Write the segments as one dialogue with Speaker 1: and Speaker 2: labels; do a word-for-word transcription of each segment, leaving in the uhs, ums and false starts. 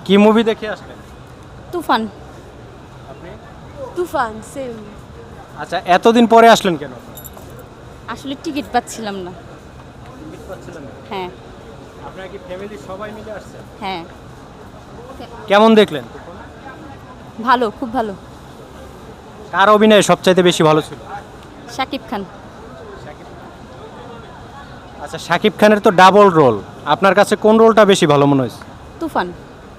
Speaker 1: কি মুভি দেখে আসলেন?
Speaker 2: তুফান।
Speaker 1: আপনি?
Speaker 3: তুফান সেম।
Speaker 1: আচ্ছা, এতদিন পরে আসলেন কেন?
Speaker 2: আসলে টিকিট পাচ্ছিলাম না।
Speaker 1: টিকিট পাচ্ছিলেন না?
Speaker 2: হ্যাঁ
Speaker 1: আপনারা কি ফ্যামিলি সবাই মিলে আসছেন?
Speaker 2: হ্যাঁ
Speaker 1: কেমন দেখলেন?
Speaker 2: ভালো, খুব ভালো।
Speaker 1: কার অভিনয় সবচাইতে বেশি ভালো ছিল?
Speaker 2: শাকিব খান।
Speaker 1: আচ্ছা, শাকিব খানের তো ডাবল রোল, আপনার কাছে কোন রোলটা বেশি ভালো মনে হয়েছে?
Speaker 2: তুফান।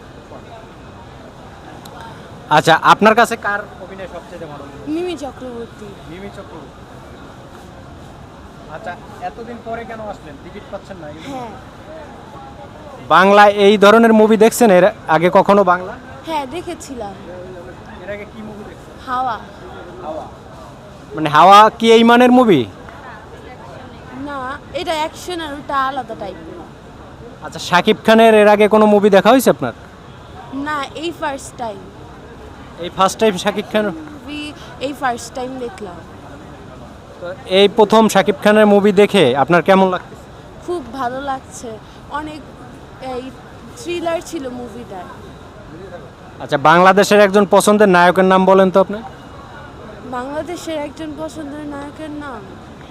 Speaker 1: আচ্ছা, আপনার কাছে কার অভিনয় সবচেয়ে ভালো মনে হয়েছে?
Speaker 3: মিমি চক্রবর্তী।
Speaker 1: মিমি চক্রবর্তী। আচ্ছা, এতদিন পরে কেন আসলেন? টিকিট পাচ্ছেন না?
Speaker 3: হ্যাঁ
Speaker 1: বাংলা এই ধরনের মুভি দেখছেন এর আগে কখনো? বাংলা
Speaker 3: হ্যাঁ দেখেছিলাম।
Speaker 1: এর আগে কি মুভি দেখছেন?
Speaker 3: হাওয়া।
Speaker 1: হাওয়া। মানে হাওয়া কি এই মানের মুভি?
Speaker 3: না, এটা অ্যাকশন আর ওটা আলাদা টাইপের।
Speaker 1: আচ্ছা, শাকিব খানের এর আগে কোনো মুভি দেখা হয়েছে আপনার?
Speaker 3: না, এই ফার্স্ট টাইম।
Speaker 1: এই first time Shakib Khan?
Speaker 3: Movie এই ফার্স্ট টাইম দেখলাম।
Speaker 1: তো এই প্রথম শাকিব খানের মুভি দেখে আপনার কেমন লাগছে?
Speaker 3: খুব ভালো লাগছে। অনেক এই থ্রিলার ছিল মুভিটা।
Speaker 1: আচ্ছা, বাংলাদেশের একজন পছন্দের নায়কের নাম বলেন তো আপনি।
Speaker 3: বাংলাদেশের একজন পছন্দের নায়কের নাম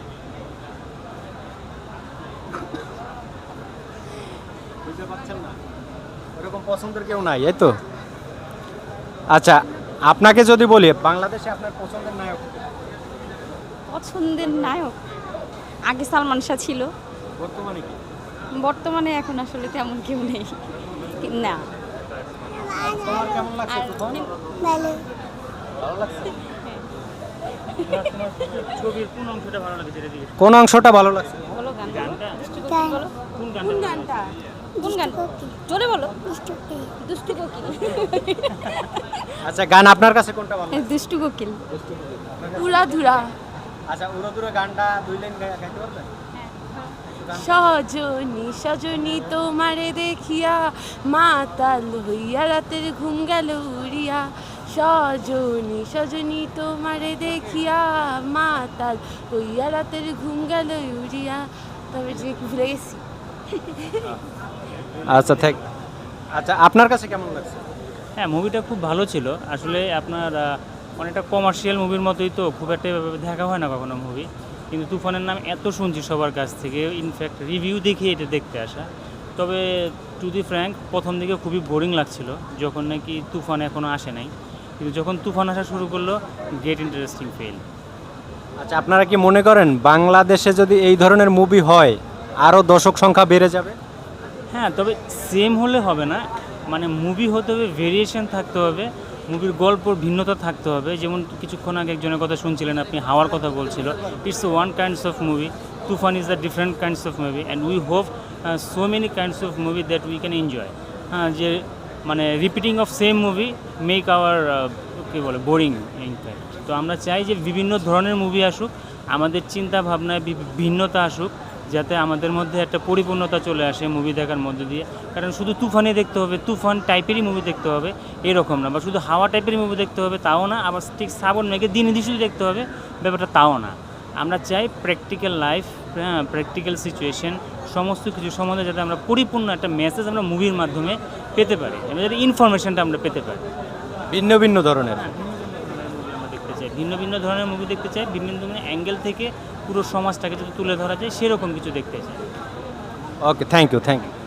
Speaker 1: বুঝতে পারছেন না? এরকম পছন্দের কেউ নাই, এই তো। আচ্ছা, আপনাকে যদি বলি বাংলাদেশে আপনার পছন্দের নায়ক কে?
Speaker 2: পছন্দের নায়ক আগে সালমান শাহ ছিল,
Speaker 1: বর্তমানে কি?
Speaker 2: বর্তমানে এখন আসলে তেমন কেউ নেই। না।
Speaker 1: তোমার কেমন লাগছে?
Speaker 2: আর
Speaker 1: তুফান?
Speaker 3: ভালো।
Speaker 1: ভালো লাগছে?
Speaker 4: ছবির কোন অংশটা ভালো লাগে সেটা জিজ্ঞেস
Speaker 1: কোন অংশটা ভালো লাগছে?
Speaker 2: বলো গান
Speaker 4: গানটা
Speaker 2: দুষ্টু কোকিল বলো।
Speaker 4: কোন
Speaker 3: কোন
Speaker 4: গানটা
Speaker 3: গানটা?
Speaker 2: কোন গান? জোরে বলো। দুষ্টু কোকিল।
Speaker 1: আচ্ছা, গান আপনার কাছে কোনটা ভালো লাগে?
Speaker 2: দুষ্টু কোকিল।
Speaker 3: উড়াধুরা।
Speaker 1: আচ্ছা, উড়োদুরো গানটা দুই লাইন গাইতে পারবেন?
Speaker 3: সজনী সজনী তোমারে দেখিয়া মাতাল হইয়া রাতের ঘুম গেল উড়িয়া। সজনী সজনী তোমারে দেখিয়া মাতাল হইয়া রাতের ঘুম গেল উড়িয়া। তবে যে ভুলে গেছি।
Speaker 1: আচ্ছা, থ্যাংক। আচ্ছা, আপনার কাছে কেমন লাগছে?
Speaker 4: হ্যাঁ, মুভিটা খুব ভালো ছিল আসলে। আপনার আহ, অনেকটা কমার্শিয়াল মুভির মতোই, তো খুব একটা এভাবে দেখা হয় না কখনো মুভি। কিন্তু তুফানের নাম এত শুনছি সবার কাছ থেকে, ইনফ্যাক্ট রিভিউ দেখে এটা দেখতে আসা। তবে টু দি ফ্র্যাঙ্ক প্রথম দিকে খুবই বোরিং লাগছিল যখন নাকি তুফান এখনও আসে নাই, কিন্তু যখন তুফান আসা শুরু করলো গেট ইন্টারেস্টিং ফেল।
Speaker 1: আচ্ছা, আপনারা কি মনে করেন বাংলাদেশে যদি এই ধরনের মুভি হয় আরও দর্শক সংখ্যা বেড়ে যাবে?
Speaker 4: হ্যাঁ, তবে সেম হলে হবে না, মানে মুভি হতে হবে, ভেরিয়েশন থাকতে হবে, মুভির গল্পর ভিন্নতা থাকতে হবে। যেমন কিছুক্ষণ আগে একজনের কথা শুনছিলেন আপনি, হাওয়ার কথা বলছিল। It's one kinds of movie, Toofan is the different kinds of movie and we hope so many kinds of movie that we can enjoy. হ্যাঁ, যে মানে repeating of same movie make our কী বলে বোরিং ইনফ্যাক্ট। তো আমরা চাই যে বিভিন্ন ধরনের মুভি আসুক, আমাদের চিন্তা ভাবনায় বি- ভিন্নতা আসুক, যাতে আমাদের মধ্যে একটা পরিপূর্ণতা চলে আসে মুভি দেখার মধ্যে দিয়ে। কারণ শুধু তুফানই দেখতে হবে, তুফান টাইপেরই মুভি দেখতে হবে এরকম না, বা শুধু হাওয়া টাইপেরই মুভি দেখতে হবে তাও না, আবার ঠিক শ্রাবণ মেঘে দিনে দিয়ে শুধু দেখতে হবে ব্যাপারটা তাও না। আমরা চাই প্র্যাকটিক্যাল লাইফ, হ্যাঁ, প্র্যাকটিক্যাল সিচুয়েশন, সমস্ত কিছু সম্বন্ধে যাতে আমরা পরিপূর্ণ একটা মেসেজ আমরা মুভির মাধ্যমে পেতে পারি, যাতে ইনফরমেশনটা আমরা পেতে পারি।
Speaker 1: ভিন্ন ভিন্ন ধরনের।
Speaker 4: হ্যাঁ, ভিন্ন ভিন্ন ধরনের মুভি আমরা দেখতে চাই, ভিন্ন ভিন্ন ধরনের মুভি দেখতে চাই, বিভিন্ন ধরনের অ্যাঙ্গেল থেকে পুরো সমাজটাকে যদি তুলে ধরা যায় সেরকম কিছু দেখতে চাই।
Speaker 1: Okay, thank you, thank you.